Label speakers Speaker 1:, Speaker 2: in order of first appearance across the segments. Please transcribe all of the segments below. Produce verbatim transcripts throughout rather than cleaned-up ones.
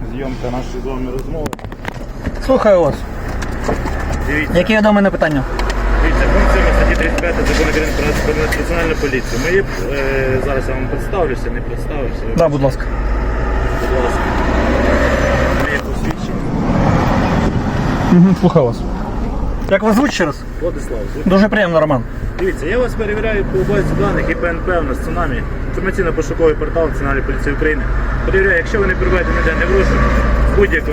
Speaker 1: зйомка нашої з вами розмови.
Speaker 2: Слухаю вас.
Speaker 1: Дивіться,
Speaker 2: Які є до мене питання?
Speaker 1: дивіться, пункт сьомий статті тридцять п'ять Закону України про національну поліцію. Ми, е, зараз я вам представлюся, не представлюся.
Speaker 2: Да, будь ласка.
Speaker 1: Будь ласка. Моє посвідчення.
Speaker 2: Угу, слухаю вас. Як вас звуть ще раз?
Speaker 1: Владислав.
Speaker 2: Дуже приємно, Роман.
Speaker 1: Дивіться, я вас перевіряю по базі даних і П Н П у нас цунамі, інформаційно-пошуковий портал Національної поліції України. Перевіряю, якщо ви не перебуваєте ніде не в розшуку, в будь-якому.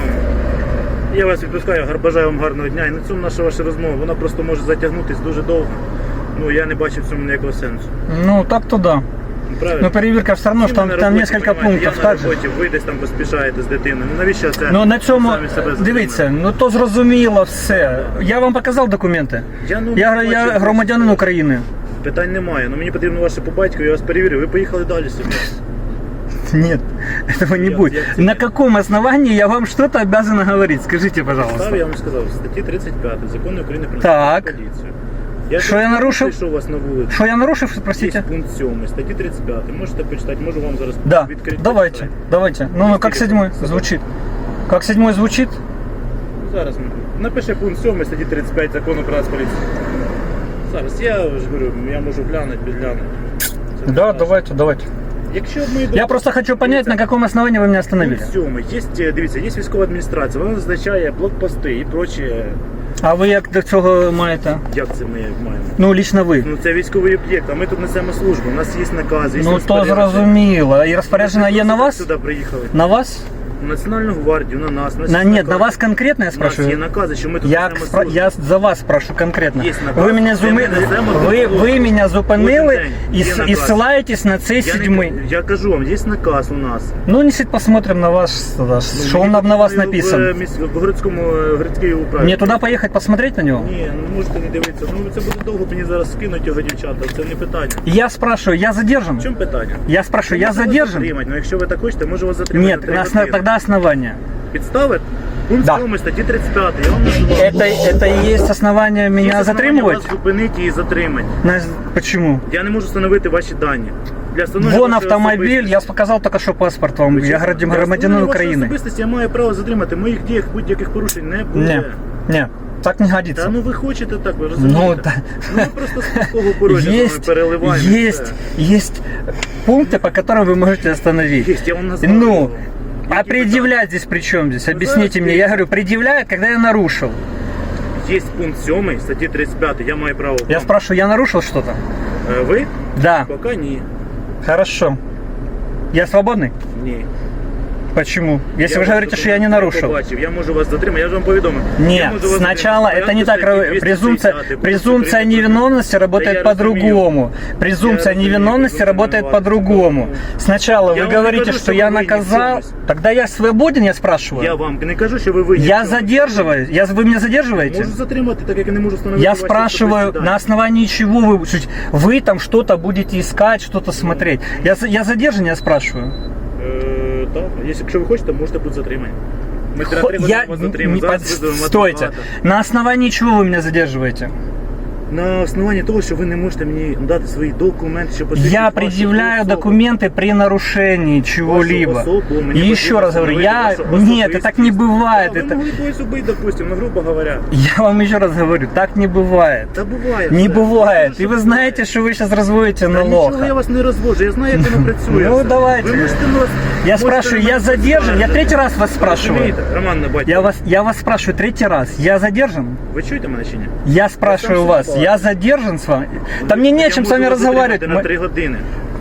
Speaker 1: Я вас відпускаю, бажаю вам гарного дня. І на цьому наша ваша розмова, вона просто може затягнутися дуже довго. Ну, я не бачу в цьому ніякого сенсу.
Speaker 2: Ну, так-то да.
Speaker 1: Правильно?
Speaker 2: Но перевірка все одно,
Speaker 1: Всі
Speaker 2: що
Speaker 1: ми
Speaker 2: там,
Speaker 1: на
Speaker 2: там
Speaker 1: роботі,
Speaker 2: несколько
Speaker 1: понімаєте,
Speaker 2: пунктів.
Speaker 1: Я
Speaker 2: Так
Speaker 1: на
Speaker 2: же?
Speaker 1: роботі, ви десь там поспішаєте з дитиною. Ну, навіщо це?
Speaker 2: Ну на цьому,
Speaker 1: самі себе
Speaker 2: дивіться, ну то зрозуміло все. Я вам показав документи.
Speaker 1: Я, ну,
Speaker 2: Я,
Speaker 1: бачу,
Speaker 2: я
Speaker 1: бачу.
Speaker 2: громадянин України.
Speaker 1: Питань немає, ну мені потрібно ваше по батьку, я вас перевірю, ви поїхали далі собі.
Speaker 2: Нет, этого не
Speaker 1: Я-
Speaker 2: будет.
Speaker 1: я тебе-
Speaker 2: На каком основании я вам что-то обязан говорить? Скажите,
Speaker 1: Став,
Speaker 2: пожалуйста.
Speaker 1: я вам сказав, статті тридцять п'ять Закону України про
Speaker 2: Так.
Speaker 1: національну поліцію. Я
Speaker 2: Що я нарушив?
Speaker 1: Що у вас на вулиці?
Speaker 2: Что я нарушив,
Speaker 1: Є
Speaker 2: спросите?
Speaker 1: пункт сьомий, статті тридцять п'ять. Можете почитати, можу вам зараз
Speaker 2: Да,
Speaker 1: відкрити.
Speaker 2: давайте,
Speaker 1: почитати.
Speaker 2: давайте. Ну, ну как
Speaker 1: Есть
Speaker 2: седьмой
Speaker 1: телефон?
Speaker 2: звучит? Как седьмой звучит?
Speaker 1: Ну, зараз ми. Напиши пункт сьомий, статті тридцять п'ять Закону про Нацполіцію. Зараз я ж говорю, я можу глянути, підглянути. Це не
Speaker 2: Да,
Speaker 1: страшно.
Speaker 2: давайте, давайте.
Speaker 1: Якщо ми
Speaker 2: Я просто хочу понять, на каком основании вы меня остановили.
Speaker 1: Пункт сьомий. Є, дивіться, є військова адміністрація, вона зазначає блокпости і прочі.
Speaker 2: А ви як до цього маєте?
Speaker 1: Як це ми маємо?
Speaker 2: Ну, лично ви.
Speaker 1: Ну це військовий об'єкт, а ми тут несемо службу, у нас є накази, є
Speaker 2: Ну, то
Speaker 1: розпорядження.
Speaker 2: зрозуміло. І розпорядження є на
Speaker 1: Ми
Speaker 2: вас?
Speaker 1: сюди приїхали.
Speaker 2: На вас?
Speaker 1: На Національну гвардію, на нас.
Speaker 2: На, нет, на вас конкретно я
Speaker 1: У нас є
Speaker 2: спрашиваю?
Speaker 1: накази, що ми тут
Speaker 2: Я,
Speaker 1: несемо
Speaker 2: спра-
Speaker 1: службу.
Speaker 2: я за вас спрошу конкретно.
Speaker 1: Є наказ,
Speaker 2: Ви мене,
Speaker 1: де
Speaker 2: зуми...
Speaker 1: ми несемо
Speaker 2: ви,
Speaker 1: службу.
Speaker 2: ви мене зупинили
Speaker 1: Кожен день
Speaker 2: і,
Speaker 1: є
Speaker 2: с- і
Speaker 1: наказ.
Speaker 2: ссилаєтесь на цей
Speaker 1: Я,
Speaker 2: седьмий.
Speaker 1: не, я кажу вам, є наказ у нас.
Speaker 2: Ну, несите, посмотрим на вас, тогда, что он на, на вас
Speaker 1: Ну,
Speaker 2: написан.
Speaker 1: В, міс- в городському е, городській управі.
Speaker 2: Мне туда поехать посмотреть на него?
Speaker 1: Ні, ну можете не дивитися. Ну це буде довго, мені зараз скинуть його дівчата, це не питання.
Speaker 2: Я спрашиваю, я задержан?
Speaker 1: В чому питання?
Speaker 2: Я спрашиваю, я
Speaker 1: Можу вас
Speaker 2: задержан?
Speaker 1: затримати, ну якщо ви так хочете, можу вас затримати.
Speaker 2: Нет,
Speaker 1: на три
Speaker 2: на основ-
Speaker 1: години.
Speaker 2: тогда основания.
Speaker 1: Підстави? Пункт
Speaker 2: Да.
Speaker 1: сьомий статті тридцять п'ять, я вам називав.
Speaker 2: Это, это и есть основание меня
Speaker 1: Є основання
Speaker 2: затримывать?
Speaker 1: вас зупинити і затримати.
Speaker 2: На- Почему?
Speaker 1: Я не можу встановити ваші дані. Для встановлення
Speaker 2: Вон
Speaker 1: вашої
Speaker 2: автомобиль,
Speaker 1: особистості.
Speaker 2: я показал только что паспорт вам,
Speaker 1: Ви
Speaker 2: я
Speaker 1: чесно?
Speaker 2: громадянин
Speaker 1: Для
Speaker 2: громадянин
Speaker 1: встановлення вашої
Speaker 2: України.
Speaker 1: особистості я маю право затримати. Моїх діях будь-яких порушень не буде.
Speaker 2: Не, не, так не
Speaker 1: Та
Speaker 2: годится.
Speaker 1: ну ви хочете так, ви розумієте?
Speaker 2: Ну, да.
Speaker 1: Ну ми просто з такого порожня з вами
Speaker 2: Есть,
Speaker 1: переливаємо. і
Speaker 2: есть,
Speaker 1: все.
Speaker 2: есть пункты, по которым вы можете остановить.
Speaker 1: Есть, я вам назвал.
Speaker 2: Ну,
Speaker 1: Які
Speaker 2: а предъявлять здесь при чем здесь? Объясните
Speaker 1: зараз
Speaker 2: мне. Я говорю, предъявляют, когда я нарушил.
Speaker 1: Є пункт сьомий статті тридцять п'ять, я маю право.
Speaker 2: Я
Speaker 1: вам.
Speaker 2: спрашиваю, я нарушил что-то?
Speaker 1: Е, Ви?
Speaker 2: Да.
Speaker 1: Поки ні.
Speaker 2: Хорошо. Я свободный?
Speaker 1: Ні.
Speaker 2: Почему? Если
Speaker 1: Я
Speaker 2: вы же
Speaker 1: вас
Speaker 2: говорите, что я не
Speaker 1: документи
Speaker 2: нарушил.
Speaker 1: побачив, я можу вас затримати, я ж вам повідомив. Я
Speaker 2: Нет,
Speaker 1: можу вас
Speaker 2: сначала
Speaker 1: затримати.
Speaker 2: это не так.
Speaker 1: Порядку
Speaker 2: Презумпция,
Speaker 1: статті двісті
Speaker 2: презумпция
Speaker 1: тридцять,
Speaker 2: невиновности работает
Speaker 1: я
Speaker 2: по-другому. Презумпция
Speaker 1: разумею,
Speaker 2: невиновности
Speaker 1: презумпция
Speaker 2: работает
Speaker 1: невиновности
Speaker 2: по-другому.
Speaker 1: по-другому.
Speaker 2: Сначала
Speaker 1: Я
Speaker 2: вы
Speaker 1: вам не
Speaker 2: говорите,
Speaker 1: кажу,
Speaker 2: что
Speaker 1: что
Speaker 2: я
Speaker 1: вы винны в
Speaker 2: наказал.
Speaker 1: чём-то.
Speaker 2: Тогда я свободен, я спрашиваю.
Speaker 1: Я вам не кажу, що ви винні.
Speaker 2: Я
Speaker 1: в цьому.
Speaker 2: задерживаю. Я, вы меня задерживаете?
Speaker 1: Можу затримати, так як я не можу встановити
Speaker 2: Я
Speaker 1: ваші
Speaker 2: спрашиваю,
Speaker 1: особисті
Speaker 2: на
Speaker 1: дані.
Speaker 2: основании чего вы, вы там что-то будете искать, что-то смотреть. Я, за- я задержан, я спрашиваю.
Speaker 1: Е, так, якщо ви хочете, можете бути затримані. Ми три
Speaker 2: Хо-
Speaker 1: години
Speaker 2: Я,
Speaker 1: вас
Speaker 2: не
Speaker 1: затримаємо.
Speaker 2: под-
Speaker 1: Зараз визовемо
Speaker 2: Стойте.
Speaker 1: адвоката.
Speaker 2: На основании чего вы меня задерживаете?
Speaker 1: На основанні того, що ви не можете мені дати свої документи, що посвідчують
Speaker 2: Я
Speaker 1: вашу
Speaker 2: предъявляю
Speaker 1: особу.
Speaker 2: документы при нарушении чего-либо.
Speaker 1: Вашу особу, мені
Speaker 2: И еще
Speaker 1: потрібно
Speaker 2: раз говорю, я...
Speaker 1: встановити вашу
Speaker 2: Нет, это так не
Speaker 1: особистість.
Speaker 2: бывает.
Speaker 1: Да, ви
Speaker 2: Это...
Speaker 1: могли когось убити, допустим, ну, грубо говоря.
Speaker 2: Я вам еще раз говорю, так не бывает.
Speaker 1: Та буває.
Speaker 2: Не
Speaker 1: все.
Speaker 2: бывает.
Speaker 1: Це
Speaker 2: И вы знаете, что вы сейчас разводите
Speaker 1: Та
Speaker 2: на
Speaker 1: нічого я
Speaker 2: лоха.
Speaker 1: вас не розводжу, я знаю, як воно працює.
Speaker 2: Ну,
Speaker 1: все.
Speaker 2: давайте.
Speaker 1: Ви можете нас...
Speaker 2: Я
Speaker 1: можете
Speaker 2: спрашиваю,
Speaker 1: на
Speaker 2: я
Speaker 1: мене
Speaker 2: задержан? Я
Speaker 1: скаржити.
Speaker 2: третий раз вас спрашиваю.
Speaker 1: Розумієте, Роман Набатько,
Speaker 2: Я вас, я вас спрашиваю третий раз. Я задержан?
Speaker 1: ви чуєте мене чи ні?
Speaker 2: Я спрашиваю
Speaker 1: сам
Speaker 2: вас,
Speaker 1: собой.
Speaker 2: я задержан с вами? Да мне не о
Speaker 1: Я
Speaker 2: чем с
Speaker 1: можу
Speaker 2: вами
Speaker 1: вас
Speaker 2: разговаривать.
Speaker 1: затримати на
Speaker 2: Мы-
Speaker 1: три години.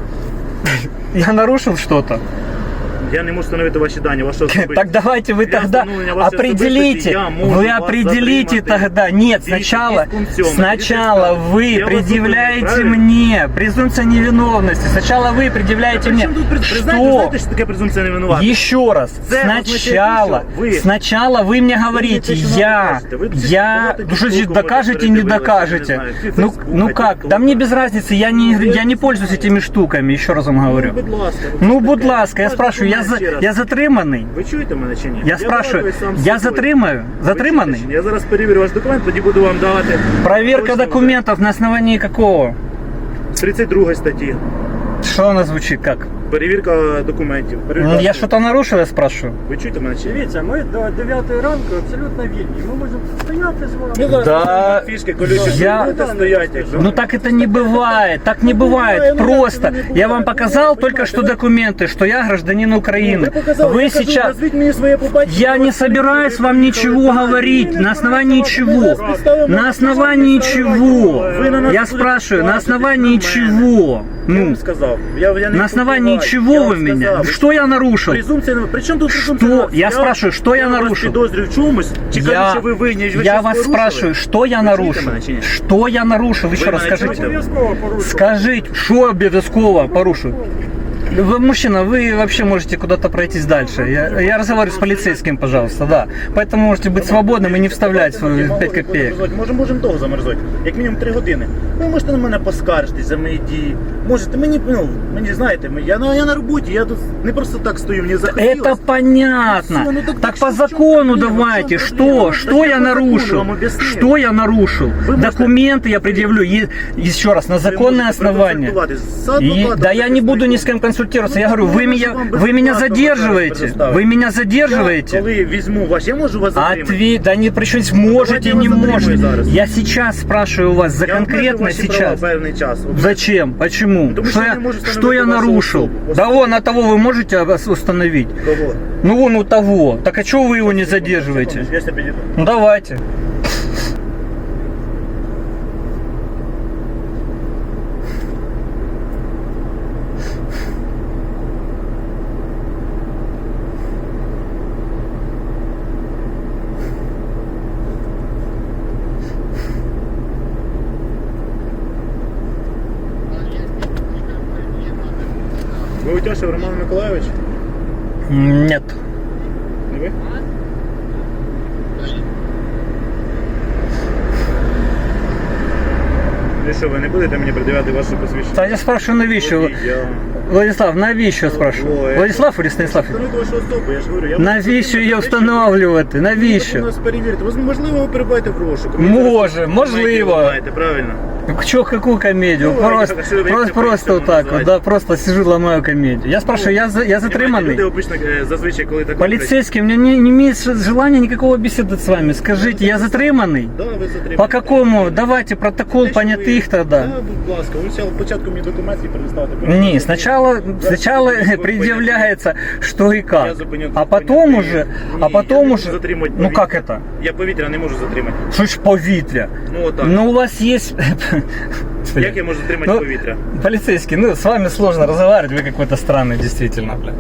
Speaker 2: Я нарушил что-то?
Speaker 1: Я не можу встановити ваші дані, вашу особистість.
Speaker 2: Так давайте вы
Speaker 1: Для
Speaker 2: тогда
Speaker 1: встановлення вашої
Speaker 2: определите,
Speaker 1: особистості я можу
Speaker 2: вы
Speaker 1: вас
Speaker 2: определите
Speaker 1: затримати.
Speaker 2: тогда, нет,
Speaker 1: Дивіться,
Speaker 2: сначала,
Speaker 1: є пункт сьомий,
Speaker 2: сначала
Speaker 1: дивіться,
Speaker 2: вы
Speaker 1: я вас
Speaker 2: предъявляете
Speaker 1: зупинив, правильно?
Speaker 2: мне презумпция невиновности, сначала вы предъявляете
Speaker 1: При
Speaker 2: мне,
Speaker 1: чому тут при- ви знаєте,
Speaker 2: что,
Speaker 1: знаєте, що таке презумпція невинуватості?
Speaker 2: еще раз,
Speaker 1: Це
Speaker 2: сначала,
Speaker 1: означає, що ви-
Speaker 2: сначала вы мне говорите,
Speaker 1: те, що
Speaker 2: я,
Speaker 1: докажете. Ви
Speaker 2: я,
Speaker 1: багато
Speaker 2: ну что здесь
Speaker 1: тіктоку
Speaker 2: докажете,
Speaker 1: можете
Speaker 2: не
Speaker 1: передивитися,
Speaker 2: докажете,
Speaker 1: я не знаю,
Speaker 2: ну,
Speaker 1: Фейсбука,
Speaker 2: ну как,
Speaker 1: тіктока.
Speaker 2: да мне без разницы, я не, я не пользуюсь этими штуками, еще раз вам говорю.
Speaker 1: Ну, будь ласка.
Speaker 2: Ну, будь ласка, я спрашиваю, я, за,
Speaker 1: Ще раз.
Speaker 2: я затриманий?
Speaker 1: Ви чуєте мене чи ні?
Speaker 2: Я спрашиваю,
Speaker 1: балакаю сам з
Speaker 2: я
Speaker 1: собою.
Speaker 2: затримаю?
Speaker 1: Ви
Speaker 2: Затриманий?
Speaker 1: чуєте чи ні? Я зараз перевірю ваш документ, тоді буду вам давати.
Speaker 2: Проверка
Speaker 1: Точно
Speaker 2: документов на основании какого?
Speaker 1: вже. тридцять другої статті.
Speaker 2: Что она звучит как?
Speaker 1: перевірка документів.
Speaker 2: Ну,
Speaker 1: перевірка-
Speaker 2: я что-то нарушил, я спрашиваю?
Speaker 1: Ви чуєте мене чи ні?
Speaker 3: Дивіться, ми до дев'ятої ранку абсолютно вільні. Ми можемо стояти з вами.
Speaker 1: Ми зараз
Speaker 2: Да.
Speaker 1: поставимо фішки, колючі,
Speaker 2: Я-
Speaker 1: будете стояти, якщо...
Speaker 2: Ну так это не бывает, так не бывает. Просто я вам показал только что документы, что я гражданин Украины. Вы сейчас... Я не собираюсь вам ничего говорить. На основании чего? На основании чего? Я спрашиваю, на основании чего?
Speaker 1: Я
Speaker 2: Ну,
Speaker 1: вам сказав. Я, я не
Speaker 2: на основании
Speaker 1: впливаю.
Speaker 2: чего
Speaker 1: Я
Speaker 2: вы
Speaker 1: вам
Speaker 2: меня?
Speaker 1: сказав.
Speaker 2: Что я нарушил?
Speaker 1: Презумпція, при чому тут презумпція?
Speaker 2: Что? Я спрашиваю, что я
Speaker 1: вас
Speaker 2: нарушил?
Speaker 1: підозрюю в чомусь, чи кажу,
Speaker 2: Я,
Speaker 1: що ви винні, ви
Speaker 2: я
Speaker 1: щось
Speaker 2: вас
Speaker 1: порушили?
Speaker 2: спрашиваю, что я
Speaker 1: Ви
Speaker 2: нарушил?
Speaker 1: чуєте мене чи ні?
Speaker 2: Что я нарушил? Еще
Speaker 1: Ви
Speaker 2: раз
Speaker 1: мене
Speaker 2: скажите.
Speaker 1: чуєте?
Speaker 3: Обов'язково порушувати.
Speaker 2: Скажите, что обовязково порушил? Вы, мужчина, вы вообще можете куда-то пройтись дальше. Я, я разговариваю с полицейским, пожалуйста, да. Поэтому можете быть свободным и не вставлять свою пять копеек.
Speaker 1: Може, можемо довго замерзати, як мінімум три години. Ви можете на мене поскаржитись за мої дії. Можете, мені, ну, мені знаєте, ми- я, на- я на роботі, я тут не просто так стою, мені захотілося.
Speaker 2: Это понятно.
Speaker 1: Всё, ну так
Speaker 2: Так
Speaker 1: что
Speaker 2: по
Speaker 1: в чём
Speaker 2: закону
Speaker 1: проблема?
Speaker 2: давайте.
Speaker 1: В чём
Speaker 2: Что?
Speaker 1: проблема?
Speaker 2: Что
Speaker 1: Так
Speaker 2: я
Speaker 1: я по закону
Speaker 2: нарушил?
Speaker 1: вам объяснил.
Speaker 2: Что я нарушил?
Speaker 1: Вы можете-
Speaker 2: Документы я предъявлю. Е- Еще раз, на законное основание. И- да я не буду ни с кем консультироваться. Я говорю, вы меня, вы меня задерживаете. Вы меня задерживаете.
Speaker 1: Коли візьму ваш, я можу вас затримати?
Speaker 2: Ответ, да не причем
Speaker 1: Давайте
Speaker 2: можете,
Speaker 1: я
Speaker 2: не
Speaker 1: вас затримаю
Speaker 2: можете.
Speaker 1: зараз.
Speaker 2: Я сейчас спрашиваю у вас за
Speaker 1: Я обмежу
Speaker 2: конкретно
Speaker 1: ваші права
Speaker 2: сейчас.
Speaker 1: певний час.
Speaker 2: Зачем? Почему?
Speaker 1: Потому
Speaker 2: Что
Speaker 1: что я
Speaker 2: я,
Speaker 1: не могу
Speaker 2: что
Speaker 1: установить
Speaker 2: я
Speaker 1: вашу
Speaker 2: нарушил?
Speaker 1: особу.
Speaker 2: Да вон, а того вы можете ос- установить?
Speaker 1: Кого?
Speaker 2: Ну вон у того. Так а чего вы его не задерживаете?
Speaker 1: Я себе підійду.
Speaker 2: Ну давайте.
Speaker 1: Ви Утяшев Роман Миколайович?
Speaker 2: М, Нет.
Speaker 1: Не ви? Ви що, ви не будете мені придивляти ваше посвідчення?
Speaker 2: Да я спрашиваю, навіщо?
Speaker 1: Водій, я-
Speaker 2: Владислав, навіщо спрашиваю?
Speaker 1: Ой,
Speaker 2: Владислав или Станислав?
Speaker 1: Встановити вашу особу, я ж говорю. Я
Speaker 2: Навіщо її
Speaker 1: можу
Speaker 2: встановлювати?
Speaker 1: У
Speaker 2: Навіщо?
Speaker 1: нас перевірити. Ви, можливо, ви перебуваєте в розшуку. Ви
Speaker 2: Може,
Speaker 1: зараз
Speaker 2: можливо.
Speaker 1: комедію ламаєте, правильно?
Speaker 2: Чё, какую комедию?
Speaker 1: Ну,
Speaker 2: просто,
Speaker 1: я хочу,
Speaker 2: просто,
Speaker 1: як
Speaker 2: просто
Speaker 1: це
Speaker 2: вот так вот,
Speaker 1: називається.
Speaker 2: да, просто сижу, ломаю комедию. Я спрашиваю, я, за- я
Speaker 1: Люди
Speaker 2: затриманный?
Speaker 1: обично е, зазвичай, коли так
Speaker 2: Полицейский, у меня не, не имеет желания никакого беседовать с вами. Скажите, я затриманный?
Speaker 1: Да, ви затримані.
Speaker 2: По какому? Давайте протокол
Speaker 1: Те, що ви-
Speaker 2: понятых тогда.
Speaker 1: Да, будь ласка, ви спочатку початку мені документи предоставити.
Speaker 2: Не, сначала, сначала предъявляется, что и
Speaker 1: Я
Speaker 2: как.
Speaker 1: зупиню-
Speaker 2: А потом
Speaker 1: зупиню.
Speaker 2: уже,
Speaker 1: Ні,
Speaker 2: а
Speaker 1: я
Speaker 2: потом
Speaker 1: не можу
Speaker 2: уже,
Speaker 1: затримати
Speaker 2: ну
Speaker 1: повітря.
Speaker 2: как это?
Speaker 1: Я повітря не можу затримати.
Speaker 2: Что ж повітря?
Speaker 1: Ну отак.
Speaker 2: Ну у вас есть...
Speaker 1: Як я можу затримати
Speaker 2: Ну,
Speaker 1: повітря?
Speaker 2: Полицейский, ну с вами сложно разговаривать, вы какой-то странный, действительно, бля.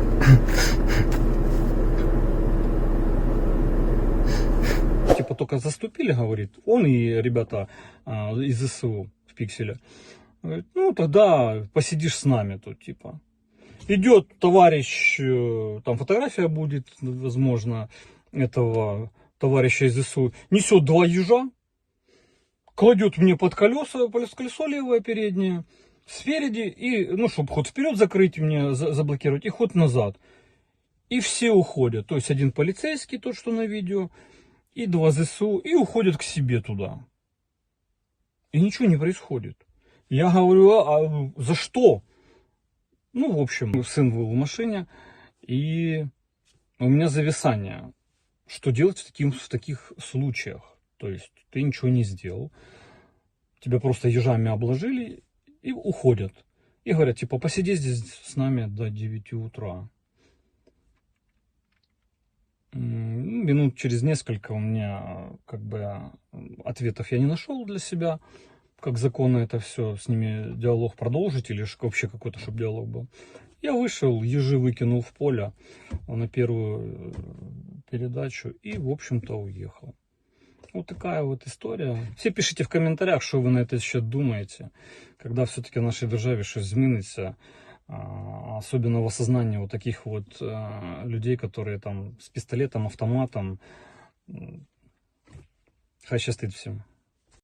Speaker 2: Типа только заступили, говорит, он и ребята а, из ЗСУ в Пикселе. Говорит, ну тогда посидишь с нами тут, типа. Идет товарищ, э, там фотография будет, возможно, этого товарища из ЗСУ, несет два ежа, кладет мне под колеса, под колесо левое переднее, спереди, и, ну, чтобы ход вперед закрыть мне, за- заблокировать, и ход назад. И все уходят. То есть один полицейский, тот, что на видео, и два ЗСУ, и уходят к себе туда. И ничего не происходит. Я говорю, а, а за что? Ну, в общем, сын был в машине, и у меня зависание. Что делать в, таким, в таких случаях? То есть ты ничего не сделал, тебя просто ежами обложили и уходят. И говорят, типа, посиди здесь с нами до девяти утра. М, Минут через несколько у меня как бы ответов я не нашел для себя, как законно это все, с ними диалог продолжить или ж вообще какой-то, чтобы диалог был. Я вышел, ежи выкинул в поле на первую передачу и, в общем-то, уехал. Вот такая вот история. Все пишите в комментариях, что вы на этот счет думаете, когда все-таки в нашей державе что зміниться, а, особенно в осознании вот таких вот а, людей, которые там с пистолетом, автоматом. Хай щастить всем.